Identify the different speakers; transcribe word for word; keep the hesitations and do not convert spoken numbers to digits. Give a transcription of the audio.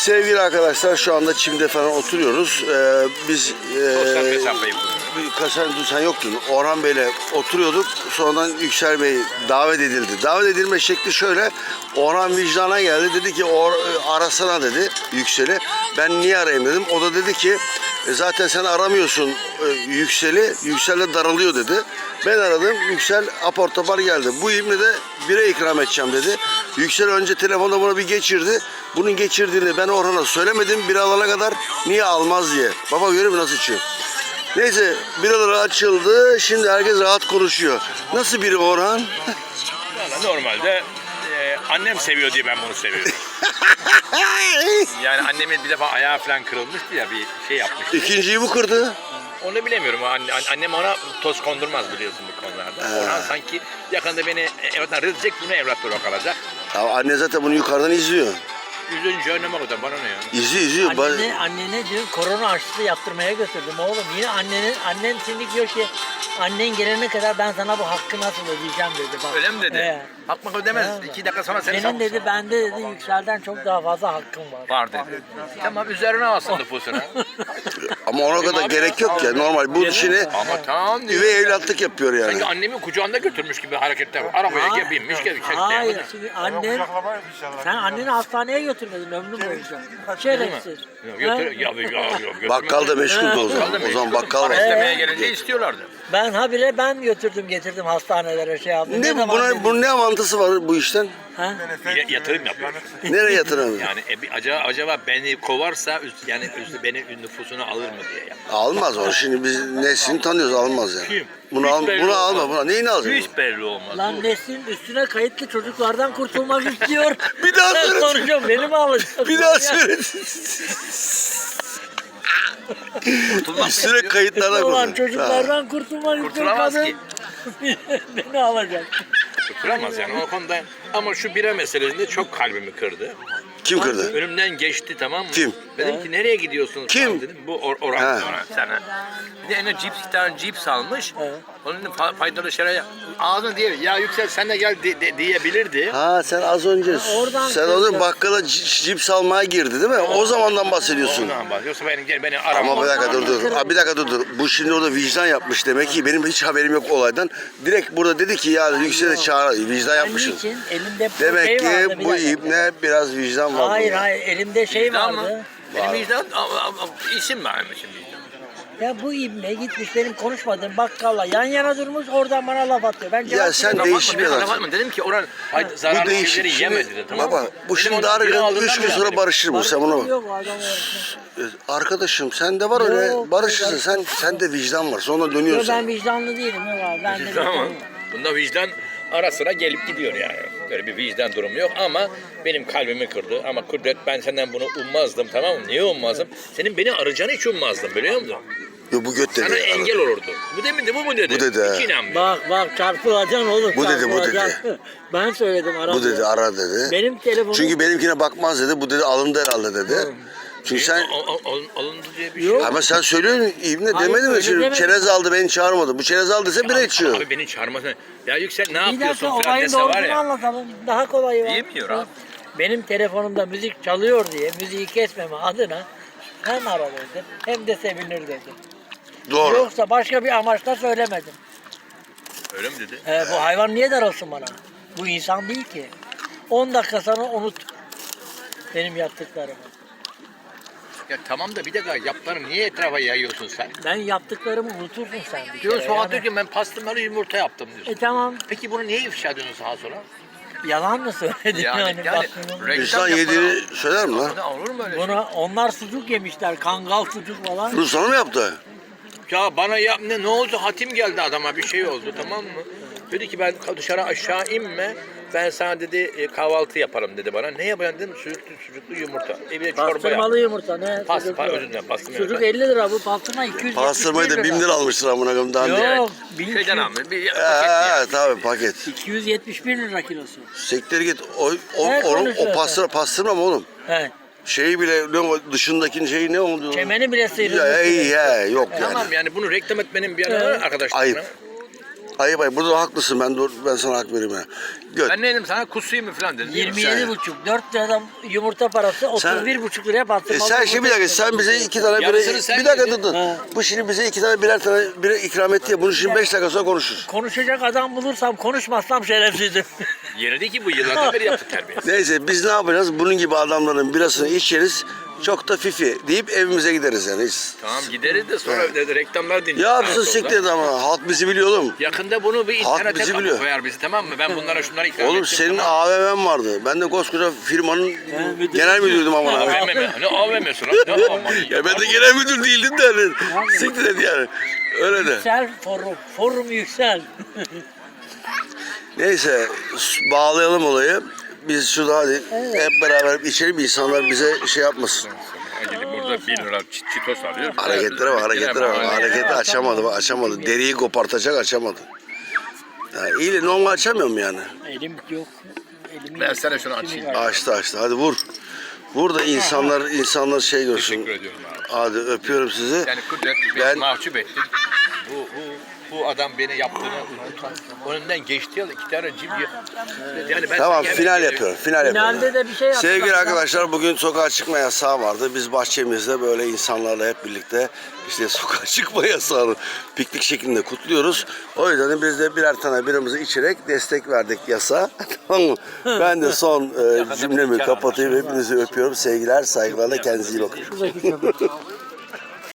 Speaker 1: Sevgili arkadaşlar, şu anda çimde falan oturuyoruz. Ee, biz
Speaker 2: Sosyal
Speaker 1: e,
Speaker 2: mesafeyi
Speaker 1: Kaşar sen yoktun. Orhan Bey'le oturuyorduk. Sonradan Yüksel Bey davet edildi. Davet edilme şekli şöyle. Orhan vicdana geldi. Dedi ki Or arasana dedi Yüksel'i. Ben niye arayayım dedim. O da dedi ki e, zaten sen aramıyorsun e, Yüksel'i. Yüksel de daralıyor dedi. Ben aradım. Yüksel apar topar geldi. Bu ibne de bire ikram edeceğim dedi. Yüksel önce telefonda bunu bir geçirdi. Bunun geçirdiğini ben Orhan'a söylemedim. Bir alana kadar niye almaz diye. Baba görüyor musun nasıl içiyor? Neyse biralar açıldı. Şimdi herkes rahat konuşuyor. Nasıl biri Orhan?
Speaker 2: Valla normalde e, annem seviyor diye ben bunu seviyorum. Yani annemin bir defa ayağı falan kırılmıştı ya, bir şey yapmıştı.
Speaker 1: İkinciyi bu kırdı.
Speaker 2: Onu bilemiyorum. Anne, annem ona toz kondurmaz biliyorsun bu konularda. Orhan sanki yakında beni evlattan rızacak, bunu evlat olarak alacak.
Speaker 1: Ya anne zaten bunu yukarıdan izliyor.
Speaker 2: Yüzüncü önleme kadar bana ne ya?
Speaker 1: İzliyor izliyor. Ba-
Speaker 3: Annene, annene diyor korona aşısı yaptırmaya götürdüm oğlum. Yine annenin, annen şimdi diyor ki annen gelene kadar ben sana bu hakkı nasıl ödeyeceğim dedi. Bak.
Speaker 2: Öyle mi dedi?
Speaker 3: He.
Speaker 2: Hakmak ödemez.
Speaker 3: He.
Speaker 2: İki dakika sonra seni
Speaker 3: Senin dedi bende dedi Yüksel'den çok daha fazla hakkım var.
Speaker 2: var dedi. Tamam üzerine alsın nüfusuna.
Speaker 1: Ama ona kadar
Speaker 2: abi
Speaker 1: gerek
Speaker 2: ya.
Speaker 1: yok ya. Normal bu işini
Speaker 2: Ama tamam diyor.
Speaker 1: üvey evlatlık yapıyor yani.
Speaker 2: Sanki annemi kucağında götürmüş gibi hareketler var. Arabaya
Speaker 3: Hayır,
Speaker 2: binmiş gelip
Speaker 3: Hayır,
Speaker 2: çekti.
Speaker 3: şimdi annen, sen anneni hastaneye götürmedin ömrüm boyunca. Şerefsiz.
Speaker 2: Götür, ya, ya, ya, götürmez.
Speaker 1: Bakkal da meşguldü o zaman.
Speaker 2: Bakkalda
Speaker 1: O zaman
Speaker 2: meşgul.
Speaker 1: bakkal
Speaker 2: Para
Speaker 1: var.
Speaker 2: istemeye gelince istiyorlardı.
Speaker 3: Ben habire ben götürdüm getirdim hastanelere şey yaptım.
Speaker 1: Ne bu?
Speaker 3: zaman
Speaker 1: Buna,
Speaker 3: dedim?
Speaker 1: bunun ne avantısı var bu işten?
Speaker 3: Ha?
Speaker 2: Ya- yatırım yapıyor.
Speaker 1: Nereye yatırım?
Speaker 2: Yani e, bir- acaba, acaba beni kovarsa üz- yani üz- beni nüfusuna alır mı diye. Ya.
Speaker 1: Almaz o. Şimdi biz Nesin'i tanıyoruz, almaz yani.
Speaker 2: Kim?
Speaker 1: Bunu,
Speaker 2: Hiç
Speaker 1: al,
Speaker 2: belli
Speaker 1: bunu alma.
Speaker 2: olmaz.
Speaker 1: Buna. Neyini alacaksın?
Speaker 2: Hiç belli olmaz.
Speaker 3: Lan
Speaker 2: Bu-
Speaker 3: Nesin üstüne kayıtlı çocuklardan kurtulmak istiyor.
Speaker 1: Bir daha
Speaker 3: Ben
Speaker 1: söyle.
Speaker 3: konuşuyorum beni mi alacaksın?
Speaker 1: Bir daha söyle.
Speaker 2: Kurtulmak
Speaker 1: Üstüne
Speaker 2: istiyor.
Speaker 1: kayıtlarına
Speaker 3: Olan
Speaker 1: koy.
Speaker 3: çocuklardan kurtulmak istiyor
Speaker 2: Kurtulamaz
Speaker 3: kadın.
Speaker 2: ki.
Speaker 3: Beni alacak.
Speaker 2: Kurtulamaz yani o konuda. Ama şu bira meselesinde çok kalbimi kırdı.
Speaker 1: Kim kırdı?
Speaker 2: Önümden geçti, tamam mı?
Speaker 1: Kim?
Speaker 2: Dedim ki nereye gidiyorsunuz?
Speaker 1: Kim?
Speaker 2: falan dedim. Bu or Orhan
Speaker 1: Ha.
Speaker 2: sonra sana. Bir de eline cips, bir tane cips almış.
Speaker 3: Evet.
Speaker 2: Onun fa- faydalı şeyler ağzına diye ya Yüksel sen de gel de- de- diyebilirdi.
Speaker 1: Ha sen az önce
Speaker 3: oradan
Speaker 1: sen az önce
Speaker 3: kırdı.
Speaker 1: bakkala c- cips almaya girdi değil mi? O zamandan bahsediyorsun.
Speaker 2: Ondan bahsediyorsa beni gel beni arama.
Speaker 1: Ama bir dakika dur dur. Aa, bir dakika dur dur. Bu şimdi orada vicdan yapmış demek ki. Benim hiç haberim yok olaydan. Direkt burada dedi ki ya Yüksel'e çağır. Vicdan
Speaker 3: Ben
Speaker 1: yapmışız.
Speaker 3: niçin? Elimde
Speaker 1: Demek
Speaker 3: şey
Speaker 1: ki
Speaker 3: vardı, bir
Speaker 1: bu
Speaker 3: dakika.
Speaker 1: ibne biraz vicdan var.
Speaker 3: Hayır
Speaker 1: bunda.
Speaker 3: hayır elimde şey
Speaker 2: Vicdan mı?
Speaker 3: vardı.
Speaker 2: Benim vicdan a- a- a- isim vermişim vicdan.
Speaker 3: Ya bu ibne gitmiş benim konuşmadığım bakkalla yan yana durmuş oradan bana laf atıyor. Ben cevap
Speaker 1: sen
Speaker 3: veriyorum.
Speaker 1: değişik bir adamsın.
Speaker 2: adamsın. Dedim ki oran
Speaker 1: Bu
Speaker 2: zararlı
Speaker 1: değişik.
Speaker 2: şeyleri
Speaker 1: Şimdi,
Speaker 2: yeme dedi, tamam
Speaker 1: baba
Speaker 2: mı?
Speaker 1: bu
Speaker 2: Benim
Speaker 1: şimdi
Speaker 2: ondan biri
Speaker 1: dargın.
Speaker 2: aldığından
Speaker 1: Üç gün
Speaker 2: beri
Speaker 1: sonra
Speaker 2: dedim.
Speaker 1: barışır bu. Sen buna bak.
Speaker 3: Yok adam öğretmen.
Speaker 1: Arkadaşım sende var öyle
Speaker 3: Yok,
Speaker 1: barışırsın.
Speaker 3: yok.
Speaker 1: Sen sende vicdan var. Sonra
Speaker 3: Yok
Speaker 1: dönüyorsun.
Speaker 3: ben vicdanlı değilim yok abi. Ben de
Speaker 2: Vicdan ama
Speaker 3: vicdanlıyım.
Speaker 2: bunda vicdan ara sıra gelip gidiyor yani. Böyle bir vicdan durumu yok ama benim kalbimi kırdı. Ama Kudret ben senden bunu ummazdım, tamam mı? Niye ummazdım? Senin beni arayacağını hiç ummazdım biliyor musun?
Speaker 1: Yo, bu göt dedi.
Speaker 2: Sana engel olurdu. Bu demindi, bu mu dedi?
Speaker 1: Bu dedi, ha.
Speaker 2: Hiç inanmıyorum.
Speaker 3: Bak bak çarpılacaksın oğlum.
Speaker 1: Bu dedi, bu dedi.
Speaker 3: çarpılacaksın. Ben söyledim arada.
Speaker 1: Bu dedi ara dedi.
Speaker 3: Benim telefonum.
Speaker 1: Çünkü benimkine bakmaz dedi. Bu dedi alındı herhalde dedi. Çünkü sen
Speaker 2: Al- al- al- alındı diye bir şey
Speaker 3: Yok.
Speaker 2: yok.
Speaker 1: ama sen söylüyorsun İbni
Speaker 3: Hayır,
Speaker 1: demedin mi?
Speaker 3: öyle
Speaker 1: Şimdi
Speaker 3: demedim.
Speaker 1: çerez aldı beni çağırmadı. Bu çerez aldı dese bira içiyor.
Speaker 2: Abi beni çağırmasın. Ya Yüksel ne
Speaker 3: Bir
Speaker 2: yapıyorsun
Speaker 3: dakika
Speaker 2: falan
Speaker 3: olayın
Speaker 2: dese var
Speaker 3: doğrusunu
Speaker 2: ya.
Speaker 3: anlatalım. Daha kolayı var.
Speaker 2: Yemiyor abi.
Speaker 3: Benim telefonumda müzik çalıyor diye müziği kesmeme adına hem ara dedim hem de sevinir dedim.
Speaker 1: Doğru.
Speaker 3: Yoksa başka bir amaçla söylemedim.
Speaker 2: Öyle mi dedi?
Speaker 3: Ee, bu hayvan niye daralsın bana? Bu insan değil ki. on dakika sonra unut benim yaptıklarımı.
Speaker 2: Ya tamam da bir dakika yaptıklarını niye etrafa yayıyorsun sen?
Speaker 3: Ben yaptıklarımı unutursun sen bir
Speaker 2: Diyor
Speaker 3: kere.
Speaker 2: Suat
Speaker 3: yani.
Speaker 2: diyor ki ben pastırmalı yumurta yaptım diyorsun.
Speaker 3: E tamam
Speaker 2: Peki bunu niye ifşa ediyorsun sağa sola?
Speaker 3: yalan mı söyledin yani?
Speaker 2: Yani, yani
Speaker 3: baktığında?
Speaker 2: reklam
Speaker 1: İnsan
Speaker 2: yapmana-
Speaker 1: yediğini söyler mi lan?
Speaker 2: Ya olur mu öyle şey?
Speaker 3: Buna, onlar sucuk yemişler, kangal sucuk falan.
Speaker 1: Bunu sana mı yaptı?
Speaker 2: Ya bana yap ne, ne oldu? Hatim geldi adama bir şey oldu, tamam mı? Dedi ki ben dışarı aşağı inme. Ben sana dedi e, kahvaltı yaparım dedi bana. Ne yapacaksın dedim sucuklu, sucuklu yumurta. E bir de çorba yap.
Speaker 3: Pastırmalı yumurta ne?
Speaker 2: Pas,
Speaker 3: Sucuk
Speaker 2: pa,
Speaker 3: yok.
Speaker 2: özür dilerim pastırma
Speaker 3: Sucuk
Speaker 2: yumurta.
Speaker 3: elli lira bu pastırma iki yüz yetmiş bir
Speaker 1: Pastırmayı da bin lira almıştır amına koyayım daha önce.
Speaker 3: Yok, bin iki
Speaker 2: Şeyden
Speaker 3: yüz
Speaker 2: almış bir paket
Speaker 1: Ha,
Speaker 2: yani.
Speaker 1: tabii paket.
Speaker 3: iki yüz yetmiş bir lira kilosu.
Speaker 1: Sektir git. O, o,
Speaker 3: Ne
Speaker 1: onun, o
Speaker 3: konuşuyorsun?
Speaker 1: pastırma, pastırma mı oğlum?
Speaker 3: He.
Speaker 1: Şeyi bile ne o dışındaki şey ne oldu?
Speaker 3: Çemeni bile sıyrılmış.
Speaker 1: Ya, iyi ya yok yani.
Speaker 2: Tamam yani bunu reklam etmenin bir yanı var arkadaşlarına.
Speaker 1: Ayıp. Ayıp ayıp. Burada haklısın. Ben dur, ben sana hak vereyim ya. Göt.
Speaker 2: Ben ne dedim sana kusuyum mu falan dedim.
Speaker 3: yirmi yedi buçuk. dört lira yumurta parası otuz bir buçuk liraya bastım.
Speaker 1: E sen şimdi bir dakika, sen bize iki tane bire,
Speaker 2: Yarısını sen
Speaker 1: bir dakika
Speaker 2: yedin.
Speaker 1: dur dur.
Speaker 3: Ha.
Speaker 1: Bu şimdi bize iki tane birer tane bire ikram etti ya. Bunu şimdi beş dakika sonra konuşuruz.
Speaker 3: Konuşacak adam bulursam konuşmazsam şerefsizim.
Speaker 2: Yenildi ki bu yıllardan beri yaptık terbiye.
Speaker 1: Neyse biz ne yapacağız? Bunun gibi adamların birasını içeriz. Çok da fifi deyip evimize gideriz yani. Hiç.
Speaker 2: Tamam gideriz de sonra
Speaker 1: Evet.
Speaker 2: de reklamlar dinleyeceğiz.
Speaker 1: Ya
Speaker 2: sağa
Speaker 1: bizi
Speaker 2: solda.
Speaker 1: siktir et ama halk bizi biliyor oğlum.
Speaker 2: Yakında bunu bir
Speaker 1: Halk
Speaker 2: internete
Speaker 1: bizi
Speaker 2: koy-
Speaker 1: biliyor.
Speaker 2: koyar bizi, tamam mı? Ben bunlara şunları ikram
Speaker 1: Oğlum
Speaker 2: ettim,
Speaker 1: senin
Speaker 2: tamam.
Speaker 1: A V M'm vardı. Ben de koskoca firmanın
Speaker 3: müdürüm.
Speaker 1: genel müdürdüm ama.
Speaker 2: A V M mi? Ne A V M'si lan? Ne A V M'si?
Speaker 1: Ya ben de genel müdür değildim de hani. Siktir et yani. Öyle de.
Speaker 3: Yüksel forum. Forum yüksel.
Speaker 1: Neyse bağlayalım olayı. Biz şurada hadi hep beraber içelim, insanlar bize şey yapmasın.
Speaker 2: Gidip burada bir lira çit çitos alıyor.
Speaker 1: Hareketlere bak, hareketlere bak.
Speaker 2: Yine
Speaker 1: Hareketi açamadı, bak açamadı. Deriyi kopartacak, açamadı. Ya iyi de normal açamıyor mu yani?
Speaker 3: Elim yok. Elimi
Speaker 2: Versene şunu açayım.
Speaker 1: Açtı açtı. Hadi vur. Vur da insanlar insanlar şey görsün.
Speaker 2: Teşekkür ediyorum abi.
Speaker 1: Hadi öpüyorum sizi.
Speaker 2: Yani Kudret beni
Speaker 1: Ben-
Speaker 2: mahcup ettin. Bu, bu, bu adam beni yaptığını unutan. Önünden geçti ya iki tane cimri. Yani ben
Speaker 1: Tamam
Speaker 2: sana
Speaker 1: final
Speaker 2: yemek-
Speaker 1: yapıyorum. Final yapıyorum.
Speaker 3: Finalde de bir şey yaptılar.
Speaker 1: Sevgili arkadaşlar, bugün sokağa çıkma yasağı vardı. Biz bahçemizde böyle insanlarla hep birlikte işte sokağa çıkma yasağını piknik şeklinde kutluyoruz. O yüzden de biz de birer tane birimizi içerek destek verdik yasağa. Tamam mı? Ben de son e, cümlemi kapatayım. Hepinizi öpüyorum. Sevgiler, saygılarla kendinize iyi bakın.
Speaker 3: Şuradaki köpek.